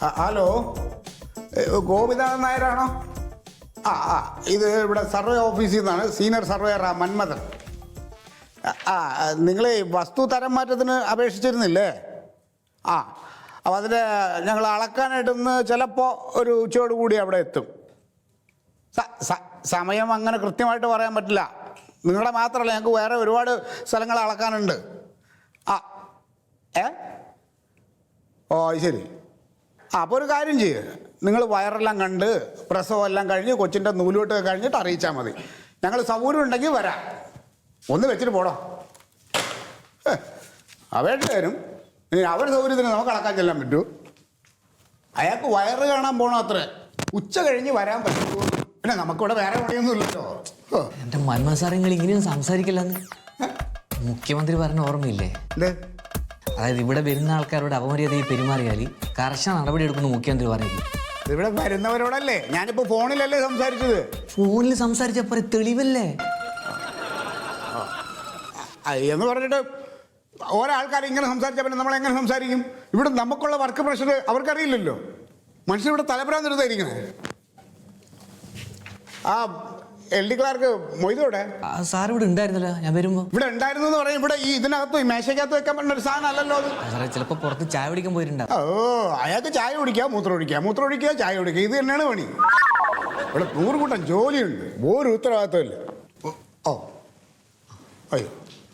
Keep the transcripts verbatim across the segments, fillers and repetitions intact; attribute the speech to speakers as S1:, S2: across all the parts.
S1: Hello, Gopinathan നായരാണോ? ആ ആ ഇത് ഇവിടെ സർവേ ഓഫീസിൽ നിന്നാണ്. Senior surveyor Manmathan. ആ നിങ്ങൾ വസ്തു തരം മാറ്റത്തിന് അപേക്ഷിച്ചിരുന്നില്ലേ? ആ അപ്പോൾ അതിൻ്റെ ഞങ്ങൾ അളക്കാനായിട്ടൊന്ന് ചിലപ്പോൾ ഒരു ഉച്ചയോട് കൂടി അവിടെ എത്തും. സമയം അങ്ങനെ കൃത്യമായിട്ട് പറയാൻ പറ്റില്ല. നിങ്ങളുടെ മാത്രമല്ല, ഞങ്ങൾക്ക് വേറെ ഒരുപാട് സ്ഥലങ്ങൾ അളക്കാനുണ്ട്. ആ ഏ ഓ ശരി. ആ അപ്പോൾ ഒരു കാര്യം ചെയ്യുക, നിങ്ങൾ വയറെല്ലാം കണ്ട് പ്രസവം എല്ലാം കഴിഞ്ഞ് കൊച്ചിൻ്റെ നൂലുകെട്ട് കഴിഞ്ഞിട്ട് അറിയിച്ചാൽ മതി. ഞങ്ങൾ സൗകര്യം ഉണ്ടെങ്കിൽ വരാം. ഒന്ന് വെച്ചിട്ട് പോടോ. അവരുടെ തരും, ഇനി അവരുടെ സൗകര്യത്തിന് നമുക്ക് അളക്കാൻ ചെല്ലാൻ പറ്റൂ? അയാൾക്ക് വയറ് കാണാൻ പോകണം അത്ര. ഉച്ച കഴിഞ്ഞ് വരാൻ പറ്റുമോ? പിന്നെ നമുക്കിവിടെ വേറെ പണിയൊന്നും ഇല്ലല്ലോ.
S2: എൻ്റെ മന്മഥൻ സാർ നിങ്ങൾ ഇങ്ങനെയൊന്നും സംസാരിക്കില്ലെന്ന് മുഖ്യമന്ത്രി പറഞ്ഞ ഓർമ്മയില്ലേ? അതായത് ഇവിടെ വരുന്ന ആൾക്കാരോട് അപമര്യാദയിൽ പെരുമാറിയാൽ കർശന നടപടി എടുക്കുന്നു മുഖ്യമന്ത്രി പറഞ്ഞില്ല.
S1: ഇവിടെ വരുന്നവരോടല്ലേ? ഞാനിപ്പോൾ ഫോണിലല്ലേ സംസാരിച്ചത്.
S2: ഫോണിൽ സംസാരിച്ചപ്പോൾ തെളിവല്ലേ
S1: എന്ന് പറഞ്ഞിട്ട് ഒരാൾക്കാർ ഇങ്ങനെ സംസാരിച്ചാൽ പിന്നെ നമ്മൾ എങ്ങനെ സംസാരിക്കും? ഇവിടെ നമുക്കുള്ള വർക്ക് പ്രഷർ അവർക്കറിയില്ലല്ലോ. മനുഷ്യൻ ഇവിടെ തലപ്പുരാൻ നിർത്തായിരിക്കണേ. ആ എൽ ഡി ക്ലാർക്ക് മൊയ്തോടെ
S2: സാർ ഇവിടെ ഉണ്ടായിരുന്നല്ലോ ഞാൻ വരുമ്പോ.
S1: ഇവിടെ ഉണ്ടായിരുന്നു എന്ന് പറയും. ഇവിടെ ഈ ഇതിനകത്ത് ഈ മേശയ്ക്കകത്ത് വെക്കാൻ പറ്റുന്ന ഒരു സാധനം അല്ലല്ലോ അത്.
S2: സാറേ ചിലപ്പോൾ പുറത്ത് ചായ കുടിക്കാൻ പോയിട്ടുണ്ടാവും.
S1: ഓ അയാൾക്ക് ചായ കുടിക്കുക, മൂത്രം ഒഴിക്കുക, മൂത്രം ഒഴിക്കുക, ചായ കുടിക്കുക, ഇത് തന്നെയാണ് പണി. ഇവിടെ നൂറ് കൂട്ടം ജോലിയുണ്ട്, ഒരു ഉത്തരവാദിത്വമില്ല. ഓ അയ്യോ,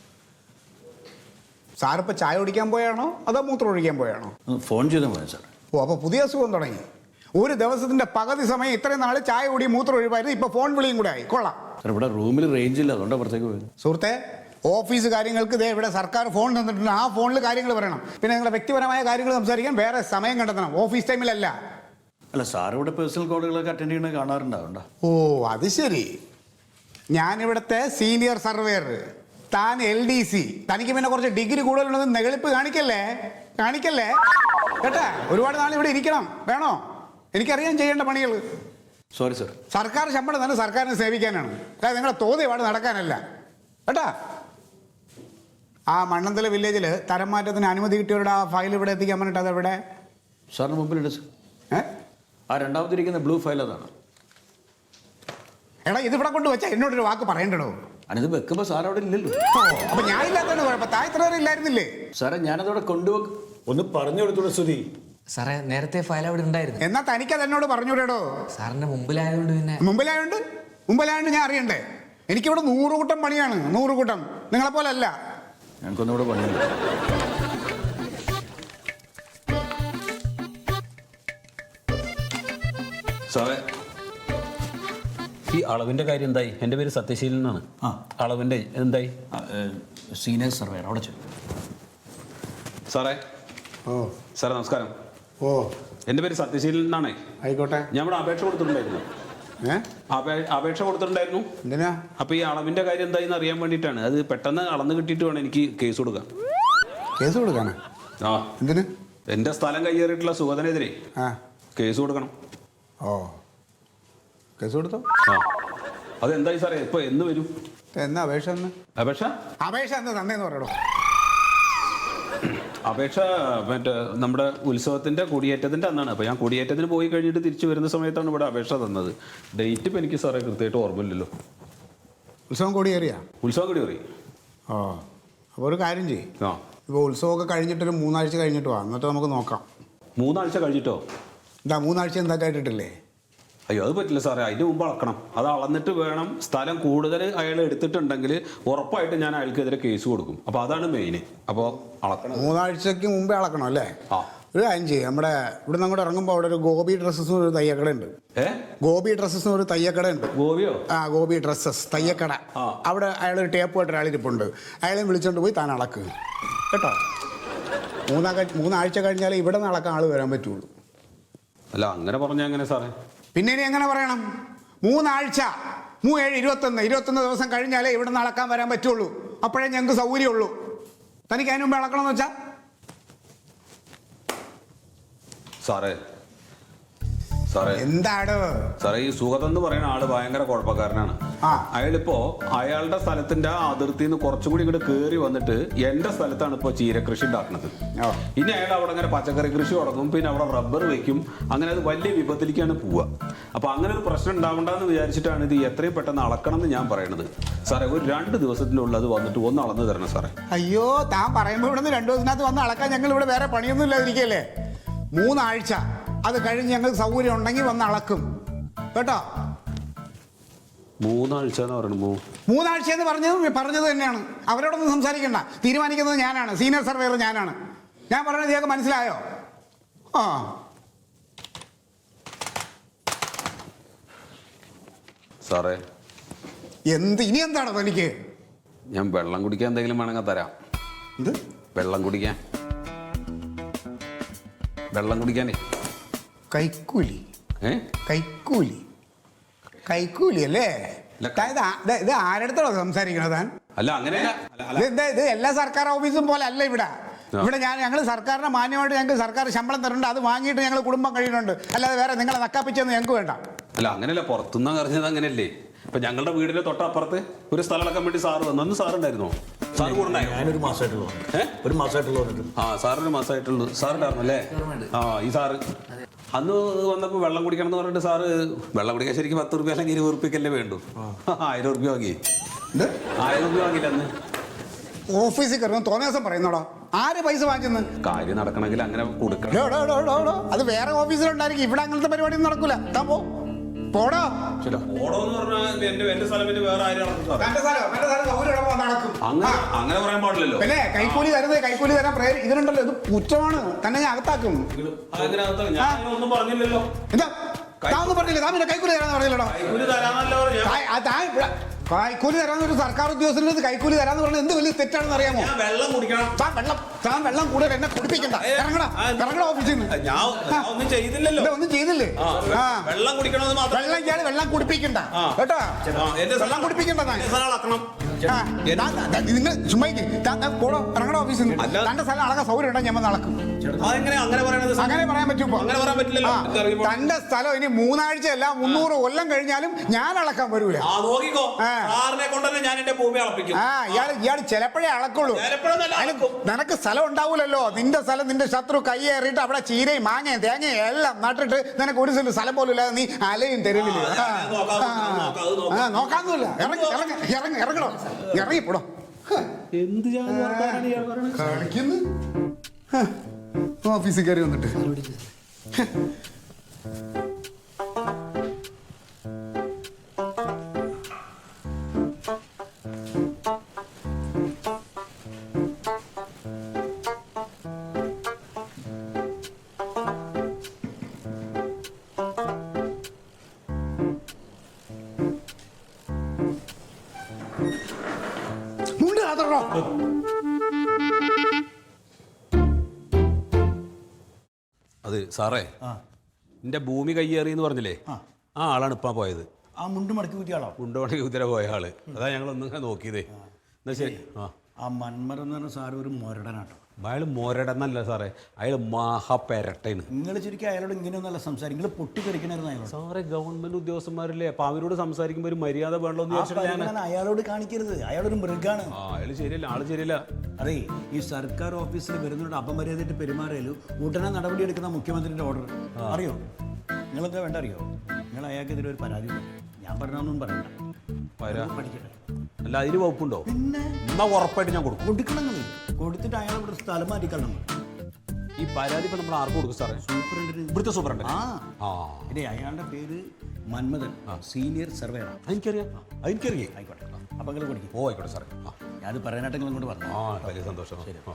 S1: സാറിപ്പോൾ ചായ കുടിക്കാൻ പോയാണോ അതോ മൂത്രം ഒഴിക്കാൻ പോയാണോ?
S3: ഫോൺ ചെയ്താൽ പോയാ സാർ.
S1: ഓ അപ്പോൾ പുതിയ അസുഖം തുടങ്ങി. ഒരു ദിവസത്തിന്റെ പകുതി സമയം ഇത്രയും നാൾ ചായ കുടി മൂത്രം ഒഴിവായിരുന്നു, ഇപ്പൊ ഫോൺ വിളിയും കൂടെ ആയി. കൊള്ളാം.
S3: സാർ ഇവിടെ റൂമിൽ റേഞ്ച് ഇല്ല, അതുകൊണ്ട് പുറത്തേക്ക് പോയത്.
S1: സുഹൃത്തെ, ഓഫീസ് കാര്യങ്ങൾക്ക് ഇതേ ഇവിടെ സർക്കാർ ഫോൺ തന്നിട്ടുണ്ട്. ആ ഫോണിൽ കാര്യങ്ങൾ പറയണം. പിന്നെ നിങ്ങളുടെ വ്യക്തിപരമായ കാര്യങ്ങൾ സംസാരിക്കാൻ വേറെ സമയം കണ്ടെത്തണം, ഓഫീസ് ടൈമിലല്ല.
S3: അല്ല സാർ ഇവിടെ പേഴ്സണൽ കോളുകളൊക്കെ അറ്റൻഡ് ചെയ്യണ കാണാറുണ്ടാവണ്ട?
S1: ഓ അത് ശരി. ഞാനിവിടുത്തെ സീനിയർ സർവേയർ, താൻ എൽ ഡി സി. തനിക്ക് പിന്നെ കുറച്ച് ഡിഗ്രി കൂടുതലുണ്ടെന്ന് നെകളിപ്പ് കാണിക്കല്ലേ കാണിക്കല്ലേ കേട്ടാ. ഒരുപാട് നാൾ ഇവിടെ ഇരിക്കണം വേണോ? എനിക്കറിയാൻ ചെയ്യേണ്ട പണികൾ.
S3: Sorry sir.
S1: സർക്കാർ ശമ്പളം തന്നെ സർക്കാരിനെ സേവിക്കാനാണ്, അതായത് നിങ്ങളെ തോതി പാട് നടക്കാനല്ല കേട്ടാ. ആ മണ്ണന്തല വില്ലേജിൽ തരം മാറ്റത്തിന് അനുമതി കിട്ടിയവരുടെ ആ ഫയൽ ഇവിടെ എത്തിക്കാൻ പറഞ്ഞിട്ട് അതെവിടെ?
S3: സാറിന് മുമ്പിലുണ്ട് സാർ.
S1: ഏ
S3: ആ രണ്ടാമതിരിക്കുന്ന ബ്ലൂ ഫയൽ അതാണ്.
S1: എടാ ഇതിവിടെ കൊണ്ട് വെച്ചാൽ എന്നോടൊരു വാക്ക് പറയണ്ടോ?
S3: അതിത് വെക്കുമ്പോൾ സാർ അവിടെ ഇല്ലല്ലോ.
S1: അപ്പൊ ഞാൻ ഇല്ലാത്തതാണ് കുഴപ്പം. താഴെ ഇല്ലായിരുന്നില്ലേ?
S3: സാറേ ഞാനതവിടെ കൊണ്ടുവെക്കും. ഒന്ന് പറഞ്ഞു കൊടുത്തൂടെ സ്തുതി.
S2: സാറേ നേരത്തെ ഫയൽ അവിടെ ഉണ്ടായിരുന്നു.
S1: എന്നാ തനിക്കത് എന്നോട് പറഞ്ഞൂടോ?
S2: സാറിന്റെ മുമ്പിലായതുകൊണ്ട് പിന്നെ.
S1: മുമ്പിലായോണ്ട് മുമ്പിലായോണ്ട് ഞാൻ അറിയണ്ടേ? എനിക്കിവിടെ നൂറ് കൂട്ടം പണിയാണ്, നൂറ് കൂട്ടം. നിങ്ങളെ പോലെ അല്ല.
S3: ഞങ്ങൾക്കൊന്നുകൂടെ പണിയുണ്ട്.
S4: സാറേ ഈ അളവിൻ്റെ കാര്യം എന്തായി? എൻ്റെ പേര് സത്യശീലൻ എന്നാണ്.
S3: ആ
S4: അളവിൻ്റെ എന്തായി?
S3: സീനിയർ സർവേയർ അവിടെ ചെല്ലും.
S4: സാറേ
S1: ഓ
S4: സാറേ നമസ്കാരം.
S1: ഓ
S4: എൻ്റെ പേര് സത്യശീലൻ എന്നാണേ.
S1: ആയിക്കോട്ടെ.
S4: ഞാൻ ഇവിടെ അപേക്ഷ കൊടുത്തിട്ടുണ്ടായിരുന്നു.
S1: ഏ
S4: അപേക്ഷ കൊടുത്തിട്ടുണ്ടായിരുന്നു.
S1: എന്തിനാ?
S4: അപ്പോൾ ഈ അളവിൻ്റെ കാര്യം എന്തായെന്ന് അറിയാൻ വേണ്ടിയിട്ടാണ്. അത് പെട്ടെന്ന് അളന്ന് കിട്ടിയിട്ട് വേണം എനിക്ക് കേസ് കൊടുക്കാൻ.
S1: കേസ് കൊടുക്കാനാ?
S4: ആ
S1: എന്തിന്?
S4: എൻ്റെ സ്ഥലം കയ്യേറിയിട്ടുള്ള സുഗതനെതിരെ
S1: ആ
S4: കേസ് കൊടുക്കണം.
S1: ഓ കേസ് കൊടുത്തോ?
S4: ആ അതെന്തായി സാറേ? ഇപ്പോൾ എന്ന് വരും?
S1: എന്നാ അപേക്ഷ എന്ന്?
S4: അപേക്ഷ
S1: അപേക്ഷ എന്ന് തന്നേന്ന് പറയണോ?
S4: അപേക്ഷ മറ്റേ നമ്മുടെ ഉത്സവത്തിൻ്റെ കൊടിയേറ്റത്തിൻ്റെ അന്നാണ്. അപ്പോൾ ഞാൻ കൊടിയേറ്റത്തിന് പോയി കഴിഞ്ഞിട്ട് തിരിച്ചു വരുന്ന സമയത്താണ് ഇവിടെ അപേക്ഷ തന്നത്. ഡേറ്റ് ഇപ്പം എനിക്ക് സാറേ കൃത്യമായിട്ട് ഓർമ്മയില്ലല്ലോ.
S1: ഉത്സവം കൊടിയേറിയാ?
S4: ഉത്സവം കൊടി കയറി.
S1: ഓ അപ്പോൾ ഒരു കാര്യം ചെയ്യും.
S4: ആ
S1: ഇപ്പോൾ ഉത്സവമൊക്കെ കഴിഞ്ഞിട്ടൊരു മൂന്നാഴ്ച കഴിഞ്ഞിട്ട് വാ, എന്നിട്ട് നമുക്ക് നോക്കാം.
S4: മൂന്നാഴ്ച കഴിഞ്ഞിട്ടോ?
S1: എന്താ മൂന്നാഴ്ച എന്താ കേട്ടിട്ടില്ലേ?
S4: അയ്യോ അത് പറ്റില്ല സാറേ, അതിന് മുമ്പ് അളക്കണം. അത് അളന്നിട്ട് വേണം. സ്ഥലം കൂടുതൽ അയാൾ എടുത്തിട്ടുണ്ടെങ്കിൽ ഉറപ്പായിട്ട് ഞാൻ അയാൾക്കെതിരെ കേസ് കൊടുക്കും. അപ്പോൾ അതാണ് മെയിൻ. അപ്പോൾ അളക്കണം.
S1: മൂന്നാഴ്ചക്ക് മുമ്പേ അളക്കണം അല്ലേ?
S4: ആ
S1: ഒരു കാര്യം ചെയ്യും. നമ്മുടെ ഇവിടെ നിന്ന് അങ്ങോട്ട് ഇറങ്ങുമ്പോൾ അവിടെ ഒരു ഗോപി ഡ്രസ്സസ് ഒരു തയ്യക്കട ഉണ്ട്.
S4: ഏ
S1: ഗോപി ഡ്രസ്സസ് ഒരു തയ്യക്കട ഉണ്ട്.
S4: ഗോപിയോ?
S1: ആ ഗോപി ഡ്രസ്സസ് തയ്യക്കട. അവിടെ അയാൾ ഒരു ടേപ്പുമായിട്ട് ഒരാളിരിപ്പുണ്ട്. അയാളെ വിളിച്ചോണ്ട് പോയി താൻ അളക്കുക കേട്ടോ. മൂന്നാ മൂന്നാഴ്ച കഴിഞ്ഞാൽ ഇവിടെ നിന്ന് അളക്കാൻ ആൾ വരാൻ പറ്റുള്ളൂ.
S4: അല്ല അങ്ങനെ പറഞ്ഞാൽ എങ്ങനെ സാറേ?
S1: പിന്നെ ഇനി എങ്ങനെ പറയണം? മൂന്നാഴ്ച മൂവേഴ് ഇരുപത്തൊന്ന് ഇരുപത്തൊന്ന് ദിവസം കഴിഞ്ഞാലേ ഇവിടെ നിന്ന് അളക്കാൻ വരാൻ പറ്റുള്ളൂ. അപ്പോഴേ ഞങ്ങൾക്ക് സൗകര്യമുള്ളൂ. തനിക്ക് അതിന് മുമ്പ് അളക്കണമെന്ന് വെച്ചാൽ?
S4: സാറേ സാറേ
S1: എന്താടോ
S4: സാറേ ഈ സുഗതൻ എന്ന് പറയുന്ന ആള് ഭയങ്കര കുഴപ്പക്കാരനാണ്.
S1: ആ.
S4: അയാളിപ്പോ അയാളുടെ സ്ഥലത്തിന്റെ ആ അതിർത്തിയിൽ നിന്ന് കുറച്ചും കൂടി ഇങ്ങോട്ട് കയറി വന്നിട്ട് എന്റെ സ്ഥലത്താണ് ഇപ്പൊ ചീരകൃഷി ഉണ്ടാക്കുന്നത്.
S1: ഓ.
S4: ഇനി അയാൾ അവിടെ അങ്ങനെ പച്ചക്കറി കൃഷി തുടങ്ങും, പിന്നെ അവിടെ റബ്ബർ വെക്കും, അങ്ങനെ അത് വലിയ വിപത്തിലേക്കാണ് പോവുക. അപ്പൊ അങ്ങനെ ഒരു പ്രശ്നം ഉണ്ടാവണ്ടെന്ന് വിചാരിച്ചിട്ടാണ് ഇത് എത്രയും പെട്ടെന്ന് അളക്കണം എന്ന് ഞാൻ പറയണത്. സാറേ ഒരു രണ്ട് ദിവസത്തിനുള്ളിൽ അത് വന്നിട്ട് ഒന്ന് അളന്ന് തരണം സാറേ.
S1: അയ്യോ താൻ പറയുമ്പോൾ ഇവിടെ നിന്ന് രണ്ടു ദിവസത്തിനകത്ത് വന്ന് അളക്കാൻ ഞങ്ങൾ ഇവിടെ വേറെ പണിയൊന്നും ഇല്ലാതിരിക്കല്ലേ. മൂന്നാഴ്ച അത് കഴിഞ്ഞ് ഞങ്ങൾക്ക് സൗകര്യം ഉണ്ടെങ്കിൽ വന്ന് അളക്കും കേട്ടോ.
S4: മൂന്നാഴ്ച എന്ന് പറയുന്നത്
S1: മൂന്നാഴ്ച എന്ന് പറഞ്ഞത് പറഞ്ഞത് തന്നെയാണ്. അവരോടൊന്നും സംസാരിക്കണ്ട, തീരുമാനിക്കുന്നത് ഞാനാണ്, സീനിയർ സർവേയർ ഞാനാണ്. ഞാൻ പറയുന്നത് ഇതൊക്കെ മനസ്സിലായോ? ആ
S4: സാറേ
S1: എന്ത് ഇനി എന്താണോ തനിക്ക്?
S4: ഞാൻ വെള്ളം കുടിക്കാൻ എന്തെങ്കിലും വേണമെങ്കിൽ തരാം.
S1: എന്ത്
S4: വെള്ളം കുടിക്കാൻ? വെള്ളം കുടിക്കാനേ.
S1: കൈക്കൂലി?
S4: ഏ
S1: കൈക്കൂലി കൈക്കൂലി അല്ലേ?
S4: ഇല്ല.
S1: താൻ ഇത് ആ- ഇത് ഇത് ആരടുത്തോളാം സംസാരിക്കണത് താൻ?
S4: അല്ല അങ്ങനെയല്ല. അല്ല, അല്ല.
S1: ഇത് എന്താ ഇത് എല്ലാ സർക്കാർ ഓഫീസും പോലെ അല്ല ഇവിടെ. ഇവിടെ ഞാൻ ഞങ്ങൾ സർക്കാരിനെ മാന്യമായിട്ട് ഞങ്ങൾക്ക് സർക്കാർ ശമ്പളം തരുന്നുണ്ട്, അത് വാങ്ങിയിട്ട് ഞങ്ങൾ കുടുംബം കഴിയുന്നുണ്ട്. അല്ലാതെ വേറെ നിങ്ങളെ നക്കാപ്പിച്ചൊന്നും ഞങ്ങൾക്ക് വേണ്ട.
S4: അല്ല അങ്ങനെയല്ല, പുറത്തുനിന്ന് അറിഞ്ഞത് അങ്ങനെയല്ലേ. ഇപ്പൊ ഞങ്ങളുടെ വീടിന്റെ തൊട്ടപ്പുറത്ത് ഒരു സ്ഥലം അളക്കാൻ വേണ്ടി സാറ് വന്നു. അന്ന് സാർ ഉണ്ടായിരുന്നോ? സാറ് കൂടെ ഉണ്ടായോ?
S3: ഞാനൊരു മാസമായിട്ടുള്ളൂ.
S4: ഏ?
S3: ഒരു മാസമായിട്ടുള്ളൂ വന്നിട്ട്.
S4: ആ സാറിന് മാസമായിട്ടുള്ളൂ. സാറുണ്ടായിരുന്നു അല്ലേ? ആ ഈ സാറ് അന്ന് വന്നപ്പോൾ വെള്ളം കുടിക്കണം എന്ന് പറഞ്ഞിട്ട് സാറ് വെള്ളം കുടിക്കാൻ ശരിക്കും പത്ത് റുപ്യ അല്ലെങ്കിൽ ഇരുപത് റുപ്യക്കല്ലേ വേണ്ടു. ആയിരം റുപ്യ വാങ്ങി.
S1: ഇത്
S4: ആയിരം റുപ്യ വാങ്ങിയില്ല അന്ന്.
S1: ഓഫീസിൽ കയറുന്ന തോന്നിയ ദിവസം പറയുന്നോടോ, ആര് പൈസ വാങ്ങിച്ചെന്ന്?
S4: കാര്യം നടക്കണമെങ്കിൽ അങ്ങനെ കൊടുക്കണം.
S1: ഡോ, ഡോ, ഡോ, ഡോ, ഡോ. അത് വേറെ ഓഫീസിലുണ്ടായിരിക്കും, ഇവിടെ അങ്ങനത്തെ പരിപാടിയൊന്നും നടക്കൂല. താൻ പോ പോടോ.
S4: ശരി, ഓടോന്ന് പറഞ്ഞാൽ എന്റെ എന്റെ സ്ഥലം പിന്നെ വേറെ ആരും അളക്കും സാറേ.
S1: തന്റെ സ്ഥലം തന്റെ സ്ഥലം സൗകര്യം ഉള്ളപ്പോ നടക്കും.
S4: അങ്ങനെ അങ്ങനെ പറയാൻ പാടില്ലല്ലോ.
S1: പിന്നെ കൈക്കൂലി തരുന്നത് കൈക്കൂലി തരാൻ പ്രേരി ഇതിനുണ്ടല്ലോ, ഇത് കുറ്റമാണ്. തന്നെ ഞാൻ അകത്താക്കും.
S4: അങ്ങനെ അകത്ത് ഞാൻ ഒന്നും പറഞ്ഞില്ലല്ലോ.
S1: എന്താ താൻ ഒന്നും പറഞ്ഞില്ല? താൻ പിന്നെ കൈക്കൂലി തരാന്ന് പറഞ്ഞില്ലടോ.
S4: കൈക്കൂലി തരാന്നല്ലോ പറഞ്ഞത്.
S1: താൻ- ആ, താൻ ഇവിടെ കൈക്കൂലി തരാന്ന് ഒരു സർക്കാർ ഉദ്യോഗസ്ഥന് കൈക്കൂലി തരാന്ന് പറഞ്ഞാൽ എന്ത് വലിയ തെറ്റാണെന്ന് അറിയാമോ?
S4: ഞാൻ വെള്ളം കുടിക്കണം.
S1: താൻ വെള്ളം താൻ വെള്ളം കൂടുതൽ എന്നെ കുടിപ്പിക്കണ്ട. ഇറങ്ങടാ ഇറങ്ങടാ ഓഫീസിൽ നിന്ന്.
S4: ഞാൻ ഞാൻ ഒന്നും ചെയ്തില്ലല്ലോ.
S1: ഇല്ല, ഒന്നും ചെയ്തില്ലേ? ആ
S4: വെള്ളം കുടിക്കണമെന്ന് മാത്രം.
S1: വെള്ളം ഇയാള് വെള്ളം കുടിപ്പിക്കണ്ട കേട്ടോ. വെള്ളം കുടിപ്പിക്കണ്ട താൻ. ആ, താൻ- താൻ- നിങ്ങൾ ചുമ്മാ ഇരിക്ക്. താൻ താൻ പോടോ, ഇറങ്ങടാ ഓഫീസിൽ നിന്ന്.
S4: അല്ല.
S1: തന്റെ സ്ഥലം അളക്കാൻ സൗകര്യം ഉണ്ടെങ്കിൽ ഞാൻ വന്ന് അളക്കും.
S4: അതെങ്ങനെ അങ്ങനെ പറയണത്?
S1: അങ്ങനെ പറയാൻ പറ്റുമോ?
S4: അങ്ങനെ പറയാൻ പറ്റില്ലല്ലോ.
S1: ആ,
S4: ഇതറിയുമ്പോൾ.
S1: തന്റെ സ്ഥലം ഇനി മൂന്നാഴ്ച അല്ല മുന്നൂറ് കൊല്ലം കഴിഞ്ഞാലും ഞാൻ അളക്കാൻ വരൂല.
S4: ആ നോക്കിക്കോ.
S1: ആ.
S4: സാറിനെ കൊണ്ടല്ലേ ഞാൻ എന്റെ ഭൂമി അളപ്പിക്കും.
S1: ആ ഇയാള് ഇയാള് ചിലപ്പോഴേ അളക്കുള്ളൂ.
S4: ചിലപ്പോഴൊന്നല്ല
S1: അതിന്
S4: അളക്കും.
S1: നിനക്ക് സ്ഥലം ഉണ്ടാവൂലല്ലോ. നിന്റെ സ്ഥലം നിന്റെ ശത്രു കയ്യേറിയിട്ട് അവിടെ ചീരയും മാങ്ങയും തേങ്ങയും എല്ലാം നട്ടിട്ട് നിനക്ക് ഒരു സ്ഥലം സ്ഥലം പോലും ഇല്ലാതെ നീ അലയും തെരുവില്.
S4: ആ, അത് നോക്കാം, അത് നോക്കാം, അത് നോക്കാം.
S1: ആ നോക്കാന്നൂല്ല. ഇറങ്ങി ഇറങ്ങി ഇറങ്ങി ഇറങ്ങണോ ഇറങ്ങിപ്പോടോ.
S4: എന്ത് ജാതി വർത്താനാണ് ഇയാൾ പറയണത്?
S1: കളിക്കുന്നു ഓഫീസിൽ കയറി വന്നിട്ട്. മുണ്ട് കാത്തോ.
S4: അത് സാറേ, എന്റെ ഭൂമി കയ്യേറി എന്ന് പറഞ്ഞില്ലേ, ആ ആളാണ് ഇപ്പാ പോയത്.
S3: ആ മുണ്ട് മടക്കി കൂട്ടിയാളോ?
S4: ഉണ്ടോണെങ്കിൽ കുതിര പോയ ആള്. അതാ ഞങ്ങൾ ഒന്നും നോക്കിയതേ. എന്നാ ശരി. ആ
S3: ആ മന്മരം എന്ന് പറഞ്ഞ സാറ് ഒരു മൊരടനാട്ടോ.
S4: അയാൾ മോരടെന്നല്ല സാറേ, അയാൾ മഹാപെരട്ടേന്.
S3: നിങ്ങൾ ശരിക്കും അയാളോട് ഇങ്ങനെയൊന്നല്ല സംസാരിക്കും. നിങ്ങൾ പൊട്ടിത്തെറിക്കണായിരുന്നു അയാളോട്.
S4: സാറേ ഗവൺമെന്റ് ഉദ്യോഗസ്ഥന്മാരല്ലേ, അപ്പൊ അവരോട് സംസാരിക്കുമ്പോൾ ഒരു മര്യാദ വേണ്ടോ എന്ന്
S3: ആ
S4: ചോദിച്ചിട്ട് ഞാൻ.
S3: പരിഗണന അയാളോട് കാണിക്കരുത്. അയാളൊരു മൃഗാണ്.
S4: ആ അയാൾ ശരിയല്ല, ആള് ശരിയല്ല.
S3: അതെ, ഈ സർക്കാർ ഓഫീസിൽ വരുന്നവരുടെ അപമര്യാദയായിട്ട് പെരുമാറിയാലും ഉടനെ നടപടിയെടുക്കുന്ന മുഖ്യമന്ത്രിയുടെ ഓർഡർ അറിയോ? നിങ്ങളെന്താ വേണ്ട അറിയോ? നിങ്ങൾ അയാൾക്കെതിരെ ഒരു പരാതി കൊടുക്കും. ഞാൻ പറഞ്ഞൊന്നും പറയണ്ട.
S4: വരാ.
S3: പഠിക്കട്ടെ.
S4: അല്ല അതിന് വകുപ്പുണ്ടോ?
S3: പിന്നെ
S4: എന്നാ ഉറപ്പായിട്ട് ഞാൻ കൊടുക്കും.
S3: കൊടുക്കണം. നിങ്ങൾ കൊടുത്തിട്ട് അയാൾ ഇവിടെ സ്ഥലം മാറ്റിക്കളണം.
S4: ഈ പരാതി ഇപ്പൊ നമ്മൾ ആർക്ക് കൊടുക്കും സാറേ?
S3: സൂപ്രണ്ടിന്.
S4: ഇവിടുത്തെ സൂപ്രണ്ട്.
S3: ആ
S4: ആ
S3: ഇനി അയാളുടെ പേര് മന്മഥൻ, സീനിയർ സർവേയർ.
S4: എനിക്കറിയാം, എനിക്കറിയാം.
S3: ആയിക്കോട്ടെ. അപ്പം നിങ്ങൾ പഠിക്കും.
S4: ഓ ആയിക്കോട്ടെ സാറേ. ആ
S3: ഞാനത് പറയാനായിട്ട് നിങ്ങൾ ഇങ്ങോട്ട് പറഞ്ഞു.
S4: ആ വലിയ സന്തോഷം. ആ.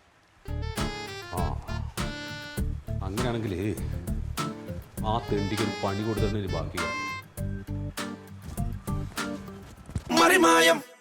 S4: ആ അങ്ങനെയാണെങ്കിൽ ആ തെണ്ടിക്ക് ഒരു പണി കൊടുത്തിട്ട് ബാക്കി
S5: മറിമായം